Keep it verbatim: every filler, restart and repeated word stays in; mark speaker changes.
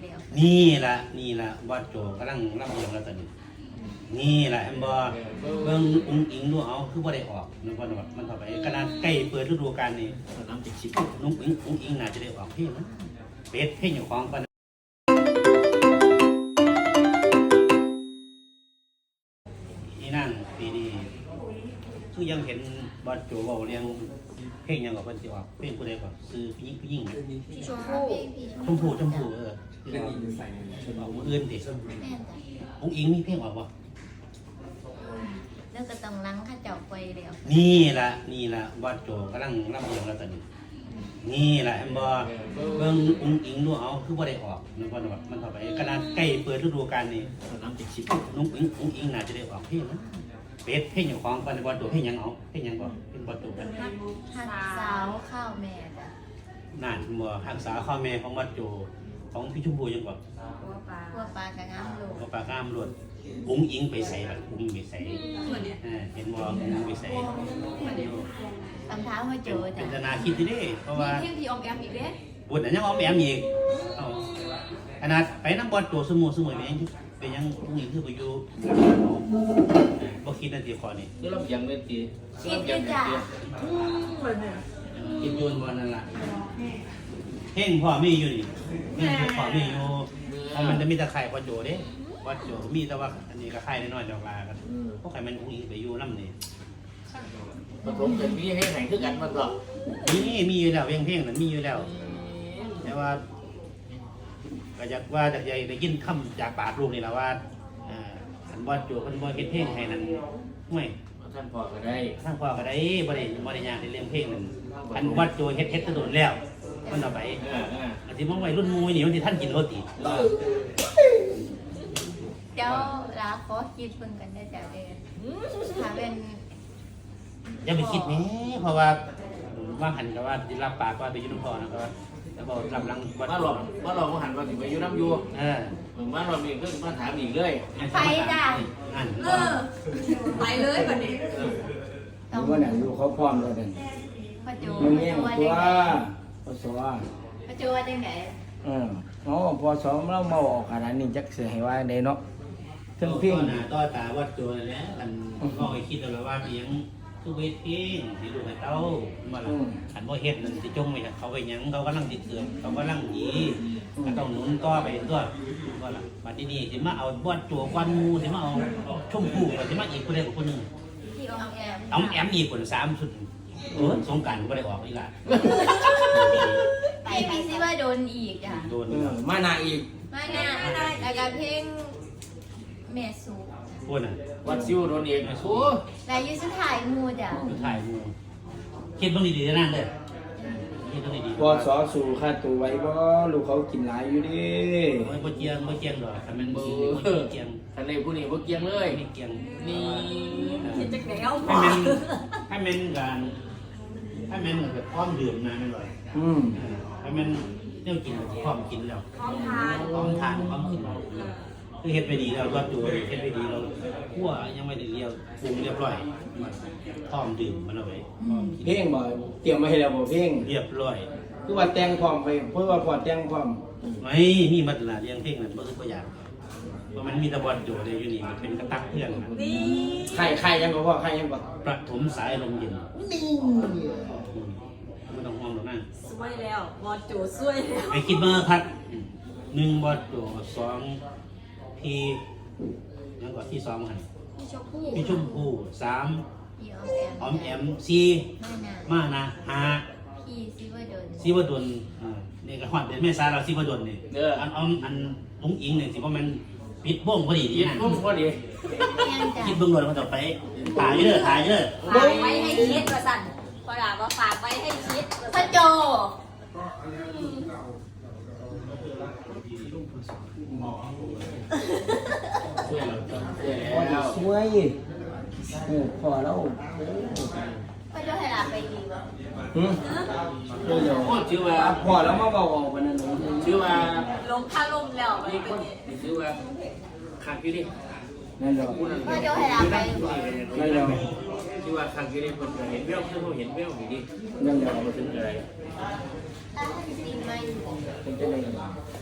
Speaker 1: แล้ว
Speaker 2: นี่ละนี่ละวัดโจกำลังรับเรียงแล้วตอนนี้นี่แหละแอมบอเบิ่งอุ้งอิงดูเอาคือบ่ได้ออกนึกว่ามันเข้าไปขนาดใกล้เปิดฤดูกาลนี่น้ำติดชิปนุ่งอิงอุ้งอิงน่าจะได้ออกเพลงนะเป็ดเพลงอยู่ของกันนี่นั่งปีนี้คือยังเห็นวัดโจเว้าเรียงเพลงยังกับเพิ่นสิออกเพลงผู้ใดก่อนคือผู้หญิงผู้หญิง
Speaker 1: พี่ชมพู่
Speaker 2: ชมพูชมพูเออคือออกออกมื้ออื่นติอุ้งอิงมีเพลงออกบ่
Speaker 1: แล้วก็ต้องล้างข้าเจ้าไปแล้ว
Speaker 2: นี่ละนี่ละวัดโจกำลังรับเรียงแล้วตอนนี้นี่แหละแอมบอเบิ่งอุ้งอิงดูเอาคือบ่ได้ออกนึกว่ามันเข้าไปขนาดใกล้เปิดฤดูกาลนี่น้ำติดชิปนุ่งอิงอุ้งอิงน่าจะได้ออกเพลงนะเป็ดเพลงอยู่ของกันวัดโจเพลงยังเอาเพลงยังก่อนเพลงวัดโจกัน
Speaker 1: หักสาวข้าวแม่จ้ะ
Speaker 2: นั่นบ่หักษาข้าวแม่ของวัดโจของพี่ชมพูยังก่อน
Speaker 1: พวกปลาพวกปลากระงามโลด
Speaker 2: พวกปลากระงามโลดอุ้งอิงไปใส่บัดอุ้งอิงไปใส่เห็นบ่อุ้งอิงไปใส่
Speaker 1: คำถามว่าโจจ้ะ
Speaker 2: เป็นนาคิดดิเพราะว่า
Speaker 1: เที่ยงที่ออมแอมอีกเด้
Speaker 2: บุญอันยังออมแอมอีกขนาดไปน้ำบอลโจสมุสมุยเป็นเป็นยังอุ้งอิงคือไปอยู่บ่คิดนาทีคอนี่
Speaker 3: คือเราอย่างเล่นตี
Speaker 1: คิดอยู่จ้ะ
Speaker 2: คิดยูนบอลนั่นแหละเพ่งพ่อมีอยู่นี่เพ่งพ่อมีอยู่มันจะมีตะไคร่วัดโจเด้วัดโจมีแต่ว่าอันนี้ก็ไข่น้อยๆดอกลากันพวกไข่มันอุ้งอิงไปอยู่น้ำนี่
Speaker 3: ผสมกันมีให้แข่งขึ้นกันมันหรอ
Speaker 2: มีมีอยู่แล้วเพ่งเพ่งนั้นมีอยู่แล้วแต่ว่าก็อยากว่าจะได้ยินคำจากปากลูกนี่แหละว่าอันวัดโจคนบ่เฮ็ดเพ่งให้นั่นห่วย
Speaker 3: ท่านพ่อก็ได้
Speaker 2: ท่านพ่อก็ได้บ่ได้บ่ได้ยากในเรื่องเพ่งนั่นอันวัดโจเฮ็ดเฮ็ดตะโดนแล้วมันเอาไปอันที่มองไว้รุ่นมูนี่มันที่ท่านกินโรตี
Speaker 1: เจ้าลาขอคิดเพิ่งกันได้จ้ะเด้ถ้าเป็น
Speaker 2: อย่าไปคิดแม่เพราะว่าว่างหันกับว่าสิรับปากว่าไปอยู่นำพ่อนะครับแล้วบ่รับหลัง
Speaker 3: วัดมาหลอกมาหลอกว่าหันว่าสิไปอยู่น้ำอยู่เออมาหลอกอีกคือมาถามอีกเลย
Speaker 1: ไปจ้ะเออไปเลยบัดนี้
Speaker 4: ต้องว่าน่ะอยู่เขาพร้อมแล้วนั่น
Speaker 1: พ่อโจ
Speaker 4: มึงแย่งตัวพอสอ
Speaker 1: พ่อโจว่าจังได๋
Speaker 4: เออเนาะพอสอเรามาออกขนาดนี้จักสิให้ว่าได้เนาะถึงเพียง
Speaker 2: หน้าต่อตาวัดโจนั่นแหละอันก็ให้คิดแล้วว่าเพียงคือเวทเองสิลูกให้เต้ามาล่ะอันบ่เฮ็ดนั่นสิจงไว้เขาไว้หยังเขากำลังสิเกิดเขากำลังดีก็ต้องหนุนต่อไปตัวว่าล่ะบัดนี้สิมาเอาวัดโจกวนหมู่สิมาเอาชมพู่ก็สิมาอีกผู้ใดกับผู้นึง
Speaker 1: ที่ออมแอม
Speaker 2: ออมแอมอีกคนสามชุดเออสงกรานต์บ่ได้ออกอีกล่ะ
Speaker 1: ไปพี่สิว่าโดนอีกจ้ะ
Speaker 2: โดน
Speaker 4: มาหน้าอีก
Speaker 1: มาหน้าแล้วก็เพลงแม่สู
Speaker 2: พูดน่ะ
Speaker 3: วัดซิวโดนเองโอ้
Speaker 1: แล้วอยู่สุดท้ายหมู่จ้ะ
Speaker 2: สุดท้ายหมู่คิดเบิ่งดีๆนะนั่นเด้อคิดเบิ่งดี
Speaker 4: ๆพอสอสู่ค่าตัวไว้บ่ลูกเขากินหลายอยู่ดิ
Speaker 2: บ่บ่เจียงบ่เจียงดอกถ้ามันบ่เจียง
Speaker 3: ทะเลผู้นี้บ่เกียงเลย
Speaker 2: ไม่เจียง
Speaker 3: นี่
Speaker 1: คิดจักแล้ว
Speaker 2: ให้มันให้มันการให้มันแบบพร้อมดื่มนะแม่นบ่
Speaker 4: อืม
Speaker 2: ให้มันแนวกินพร้อมกินแล้ว
Speaker 1: พร้อมทาน
Speaker 2: พร้อมทานพร้อมกินคือเฮ็ดไปดีแล้ววัดโจเฮ็ดไปดีเราคั่วยังไม่ได้เรียวปรุงเรียบร้อยพร้อมดื่มมันเอาไว้
Speaker 4: เพลงบ่เตรียมมาให้แล้วบ่เพลง
Speaker 2: เรียบร้อย
Speaker 4: คือว่าแต่งพร้อมไปเพื่อว่าพอแต่งพร้อม
Speaker 2: ไม่มีมัดละเรียงเพลงนั้นบ่คือบ่อยากเพราะมันมีตะบอนโจได้อยู่นี่มันเป็นกระตักเพื่อน
Speaker 1: นี่
Speaker 4: ใครใครยังบ่พอใครยังบ่
Speaker 2: ประถมสายลมเย็นนี่ไม่ต้องห่วงหรอกนะ
Speaker 1: สวยแล้วบอดโจสวยแล้ว
Speaker 2: ไปคิดมาครับหนึ่งบอดโจสองพีนั่นก็ที่สองหัน
Speaker 1: พี่ชมพู่
Speaker 2: พี่ชมพู่สามออมแอม
Speaker 1: ซี
Speaker 2: มานะห้า
Speaker 1: พี่ซิวดน
Speaker 2: ซิวดนนี่ก็ฮอดเดือนเมษาเราซิวดนนี่อันออมอันลุงอิงเนี่ยสิว่ามันปิดบ้งพอดี
Speaker 3: นี่นะบ้งพอดี
Speaker 2: คิดเบิ่งโดนมันต่อไปถ่ายเยอะถ่ายเยอะ
Speaker 1: ฝากไว้ให้คิดว่าสั่นพอด่าว่าฝากไว้ให้คิดพ่อโจ
Speaker 3: ช่วยเราจังช่วย
Speaker 4: แล้วช่วยเออพอแล้ว
Speaker 1: พ่อโจให้ลาไปดีบ่
Speaker 4: หืมเดี๋ยว
Speaker 3: ชื่อว่า
Speaker 4: พอแล้วมาเบาออกวันนั้น
Speaker 3: ชื่อว่า
Speaker 1: ลงค่าลมแล้ว
Speaker 3: นี่คนชื่อว่าขังอยู่ดิ
Speaker 4: นั่นเดี๋ยว
Speaker 1: พ่อโจให้ลาไป
Speaker 4: นั่นเดี๋ยว
Speaker 3: ชื่อว่าขังอยู่ดิคนเห็นเบี้ยวเพื่อนเห็นเบี้ยวอยู่ดิ
Speaker 4: นั่นเดี๋ยว
Speaker 3: มาถึงอะไร
Speaker 1: อ่ะจริงไหม
Speaker 4: เป็นจะไง